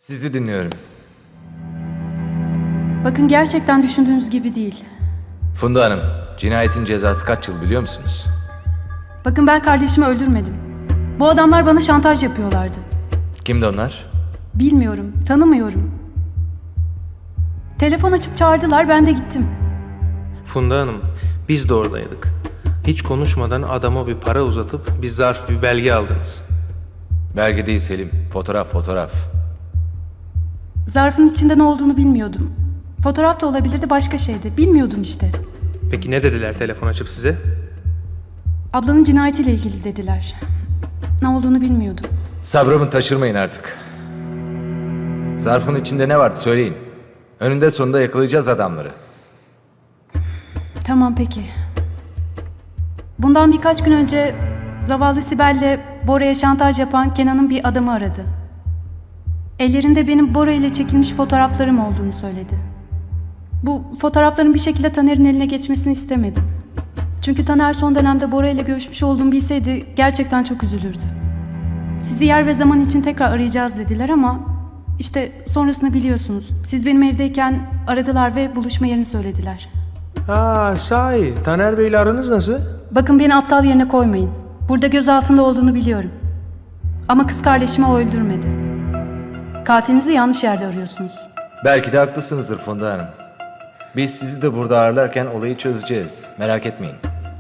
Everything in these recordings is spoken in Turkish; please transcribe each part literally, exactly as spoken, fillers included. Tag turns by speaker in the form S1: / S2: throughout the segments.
S1: Sizi dinliyorum.
S2: Bakın gerçekten düşündüğünüz gibi değil.
S1: Funda Hanım, cinayetin cezası kaç yıl biliyor musunuz?
S2: Bakın ben kardeşimi öldürmedim. Bu adamlar bana şantaj yapıyorlardı.
S1: Kimdi onlar?
S2: Bilmiyorum, tanımıyorum. Telefon açıp çağırdılar, ben de gittim.
S3: Funda Hanım, biz de oradaydık. Hiç konuşmadan adama bir para uzatıp bir zarf, bir belge aldınız.
S1: Belge değil Selim, fotoğraf fotoğraf.
S2: Zarfın içinde ne olduğunu bilmiyordum. Fotoğraf da olabilirdi, başka şeydi. Bilmiyordum işte.
S3: Peki ne dediler telefon açıp size?
S2: Ablanın cinayetiyle ilgili dediler. Ne olduğunu bilmiyordum.
S1: Sabrımı taşırmayın artık. Zarfın içinde ne vardı söyleyin. Önünde sonunda yakalayacağız adamları.
S2: Tamam peki. Bundan birkaç gün önce zavallı Sibel'le Bora'ya şantaj yapan Kenan'ın bir adamı aradı. Ellerinde benim Bora ile çekilmiş fotoğraflarım olduğunu söyledi. Bu fotoğrafların bir şekilde Taner'in eline geçmesini istemedim. Çünkü Taner son dönemde Bora ile görüşmüş olduğumu bilseydi gerçekten çok üzülürdü. Sizi yer ve zaman için tekrar arayacağız dediler ama işte sonrasını biliyorsunuz. Siz benim evdeyken aradılar ve buluşma yerini söylediler.
S3: Aa sahi, Taner Bey'le aranız nasıl?
S2: Bakın beni aptal yerine koymayın. Burada göz altında olduğunu biliyorum. Ama kız kardeşimi o öldürmedi. Katilinizi yanlış yerde arıyorsunuz.
S1: Belki de haklısınızdır Funda Hanım. Biz sizi de burada ağırlarken olayı çözeceğiz. Merak etmeyin.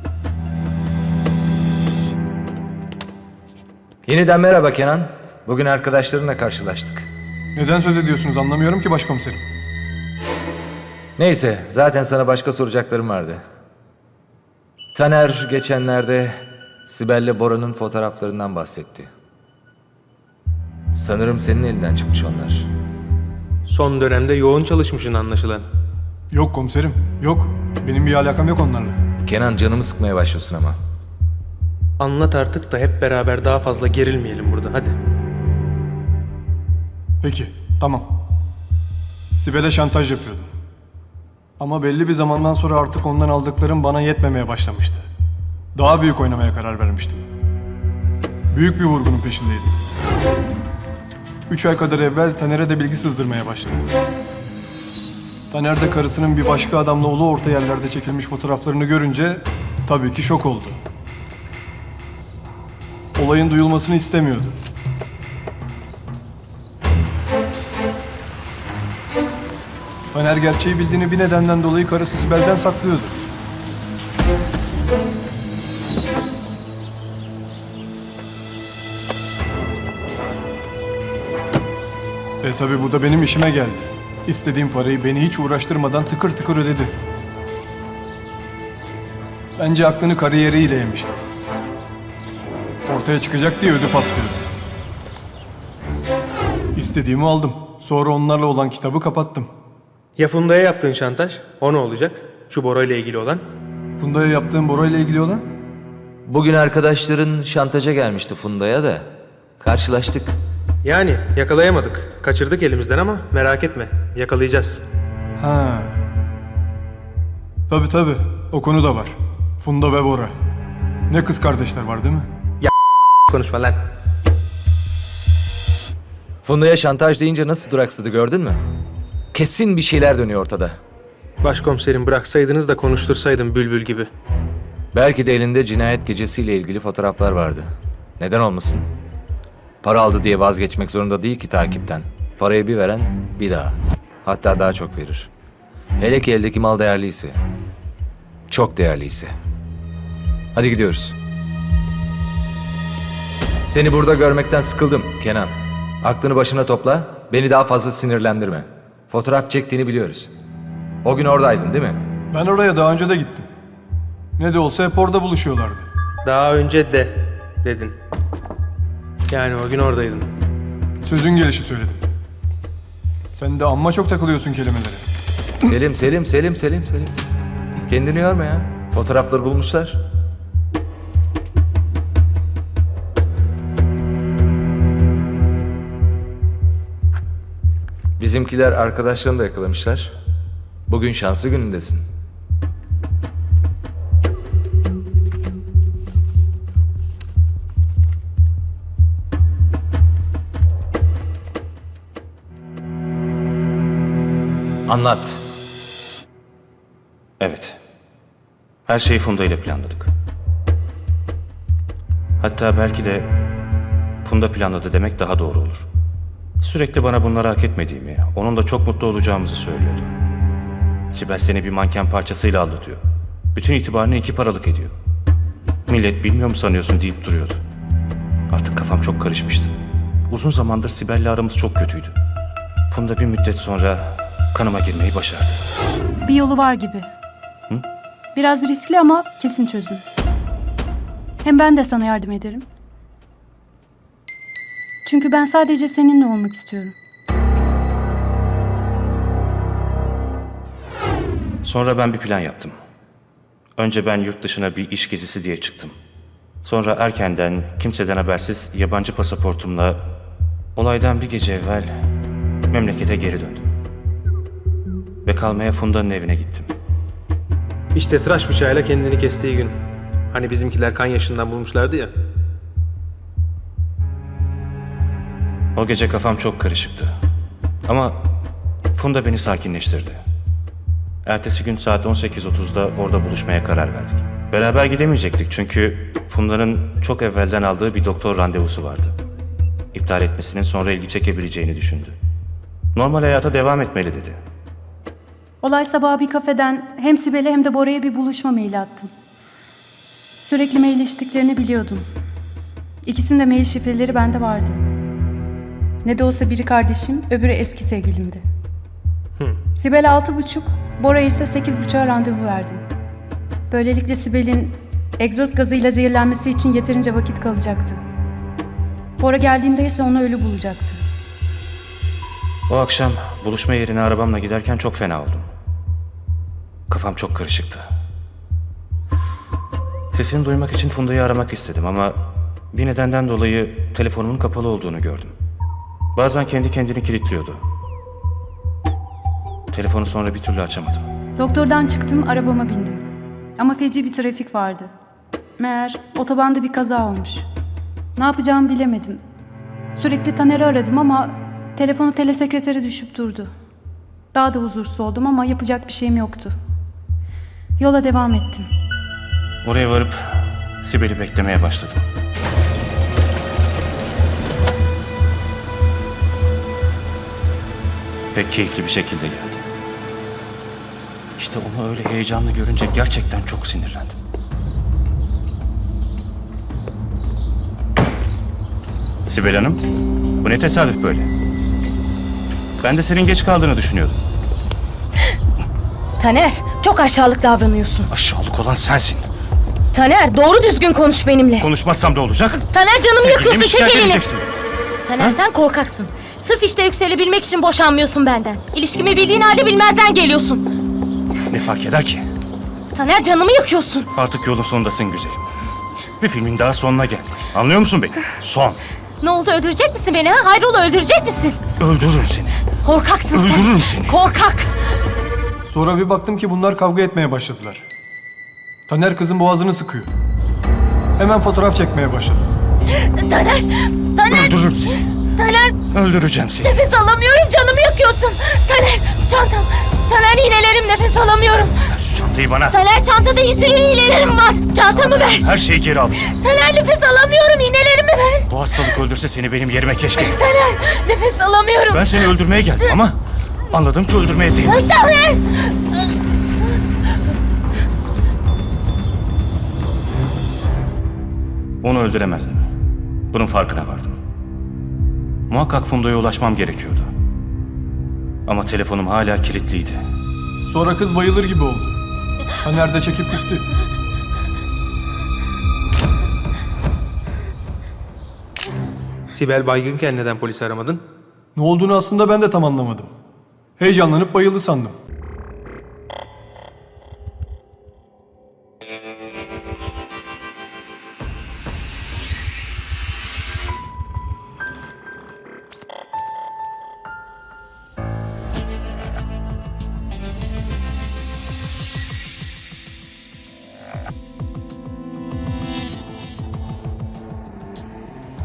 S1: Yeniden merhaba Kenan. Bugün arkadaşlarınla karşılaştık.
S4: Neden söz ediyorsunuz anlamıyorum ki başkomiserim.
S1: Neyse, zaten sana başka soracaklarım vardı. Taner geçenlerde Sibel'le Bora'nın fotoğraflarından bahsetti. Sanırım senin elinden çıkmış onlar.
S3: Son dönemde yoğun çalışmışsın anlaşılan.
S4: Yok komiserim, yok. Benim bir alakam yok onlarla.
S1: Kenan canımı sıkmaya başlıyorsun ama.
S3: Anlat artık da hep beraber daha fazla gerilmeyelim burada, hadi.
S4: Peki, tamam. Sibel'e şantaj yapıyordum. Ama belli bir zamandan sonra artık ondan aldıklarım bana yetmemeye başlamıştı. Daha büyük oynamaya karar vermiştim. Büyük bir vurgunun peşindeydim. Üç ay kadar evvel Taner'e de bilgi sızdırmaya başladım. Taner de karısının bir başka adamla ulu orta yerlerde çekilmiş fotoğraflarını görünce tabii ki şok oldu. Olayın duyulmasını istemiyordu. Taner gerçeği bildiğini bir nedenden dolayı karısı Sibel'den saklıyordu. E tabi bu da benim işime geldi. İstediğim parayı beni hiç uğraştırmadan tıkır tıkır ödedi. Bence aklını kariyeriyle yemişti. Ortaya çıkacak diye ödü patlıyordu. İstediğimi aldım. Sonra onlarla olan kitabı kapattım.
S3: Ya Funda'ya yaptığın şantaj? O ne olacak? Şu Bora ile ilgili olan?
S4: Funda'ya yaptığım Bora ile ilgili olan?
S1: Bugün arkadaşların şantaja gelmişti Funda'ya da. Karşılaştık.
S3: Yani yakalayamadık. Kaçırdık elimizden ama merak etme. Yakalayacağız.
S4: Ha. Tabii tabii. O konu da var. Funda ve Bora. Ne kız kardeşler var değil mi?
S3: Konuşma lan.
S1: Funda'ya şantaj deyince nasıl duraksadı gördün mü? Kesin bir şeyler dönüyor ortada.
S3: Başkomiserim bıraksaydınız da konuştursaydım bülbül gibi.
S1: Belki de elinde cinayet gecesiyle ilgili fotoğraflar vardı. Neden olmasın? Para aldı diye vazgeçmek zorunda değil ki takipten. Parayı bir veren bir daha. Hatta daha çok verir. Hele ki eldeki mal değerliyse. Çok değerliyse. Hadi gidiyoruz. Seni burada görmekten sıkıldım Kenan. Aklını başına topla, beni daha fazla sinirlendirme. Fotoğraf çektiğini biliyoruz. O gün oradaydın değil mi?
S4: Ben oraya daha önce de gittim. Ne de olsa hep orada buluşuyorlardı.
S3: Daha önce de dedin. Yani o gün oradaydın.
S4: Sözün gelişi söyledim. Sen de amma çok takılıyorsun kelimelere.
S1: Selim, Selim, Selim, Selim, Selim. Kendini yorma ya. Fotoğrafları bulmuşlar. Bizimkiler arkadaşlarını da yakalamışlar. Bugün şanslı günündesin. Anlat.
S5: Evet. Her şeyi Funda ile planladık. Hatta belki de Funda planladı demek daha doğru olur. Sürekli bana bunları hak etmediğimi, onun da çok mutlu olacağımızı söylüyordu. Sibel seni bir manken parçasıyla aldatıyor. Bütün itibarını iki paralık ediyor. Millet bilmiyor mu sanıyorsun deyip duruyordu. Artık kafam çok karışmıştı. Uzun zamandır Sibel'le aramız çok kötüydü. Funda bir müddet sonra kanıma girmeyi başardı.
S2: Bir yolu var gibi. Biraz riskli ama kesin çözüm. Hem ben de sana yardım ederim. Çünkü ben sadece seninle olmak istiyorum.
S5: Sonra ben bir plan yaptım. Önce ben yurt dışına bir iş gezisi diye çıktım. Sonra erkenden, kimseden habersiz yabancı pasaportumla olaydan bir gece evvel memlekete geri döndüm. Ve kalmaya Funda'nın evine gittim.
S3: İşte tıraş bıçağıyla kendini kestiği gün. Hani bizimkiler kan yaşından bulmuşlardı ya.
S5: O gece kafam çok karışıktı. Ama Funda beni sakinleştirdi. Ertesi gün saat on sekiz otuzda orada buluşmaya karar verdik. Beraber gidemeyecektik çünkü Funda'nın çok evvelden aldığı bir doktor randevusu vardı. İptal etmesinin sonra ilgi çekebileceğini düşündü. Normal hayata devam etmeli dedi.
S2: Olay sabahı bir kafeden hem Sibel'e hem de Bora'ya bir buluşma maili attım. Sürekli mailleştiklerini biliyordum. İkisinin de mail şifreleri bende vardı. Ne de olsa biri kardeşim, öbürü eski sevgilimdi. Sibel'e altı buçuk, Bora'ya ise sekiz buçuğa randevu verdim. Böylelikle Sibel'in egzoz gazıyla zehirlenmesi için yeterince vakit kalacaktı. Bora geldiğinde ise onu ölü bulacaktı.
S5: O akşam buluşma yerine arabamla giderken çok fena oldum. Kafam çok karışıktı. Sesini duymak için Funda'yı aramak istedim ama bir nedenden dolayı telefonumun kapalı olduğunu gördüm. Bazen kendi kendini kilitliyordu. Telefonu sonra bir türlü açamadım.
S2: Doktordan çıktım, arabama bindim. Ama feci bir trafik vardı. Meğer otobanda bir kaza olmuş. Ne yapacağımı bilemedim. Sürekli Taner'i aradım ama telefonu telesekretere düşüp durdu. Daha da huzursuz oldum ama yapacak bir şeyim yoktu. Yola devam ettim.
S5: Oraya varıp Sibel'i beklemeye başladım. Pek keyifli bir şekilde geldi. İşte onu öyle heyecanlı görünce gerçekten çok sinirlendim. Sibel Hanım, bu ne tesadüf böyle? Ben de senin geç kaldığını düşünüyordum.
S6: Taner, çok aşağılık davranıyorsun.
S5: Aşağılık olan sensin.
S6: Taner, doğru düzgün konuş benimle.
S5: Konuşmazsam da olacak.
S6: Taner, canımı
S5: Sevgilimi
S6: yakıyorsun, çek
S5: şikayet
S6: elini.
S5: edeceksin.
S6: Taner, sen korkaksın. Sırf işte yükselebilmek için boşanmıyorsun benden. İlişkimi bildiğin halde bilmezden geliyorsun.
S5: Ne fark eder ki?
S6: Taner, canımı yakıyorsun.
S5: Artık yolun sonundasın güzelim. Bir filmin daha sonuna geldim. Anlıyor musun beni? Son.
S6: Ne oldu, öldürecek misin beni ha? Hayrola, öldürecek misin?
S5: Öldürürüm seni.
S6: Korkaksın sen.
S5: Öldürürüm seni.
S6: Korkak.
S4: Sonra bir baktım ki bunlar kavga etmeye başladılar. Taner kızın boğazını sıkıyor. Hemen fotoğraf çekmeye başladı.
S6: Taner, Taner,
S5: Öldürürüm seni.
S6: Taner,
S5: Öldüreceğim seni.
S6: nefes alamıyorum, canımı yakıyorsun. Taner, çantam. Taner, iğnelerim, nefes alamıyorum.
S5: Ver şu çantayı bana.
S6: Taner, çantada insülin iğnelerim var. Çantamı ver.
S5: Her şeyi geri alacağım.
S6: Taner, nefes alamıyorum, iğnelerimi ver.
S5: Bu hastalık öldürse seni benim yerime keşke.
S6: Taner, nefes alamıyorum.
S5: Ben seni öldürmeye geldim ama anladım ki öldürmeye değmez.
S6: Taner!
S5: Onu öldüremezdim. Bunun farkına vardım. Muhakkak Funda'ya ulaşmam gerekiyordu. Ama telefonum hala kilitliydi.
S4: Sonra kız bayılır gibi oldu. Taner de çekip gitti.
S3: Sibel baygınken neden polisi aramadın?
S4: Ne olduğunu aslında ben de tam anlamadım. Heyecanlanıp bayıldı sandım.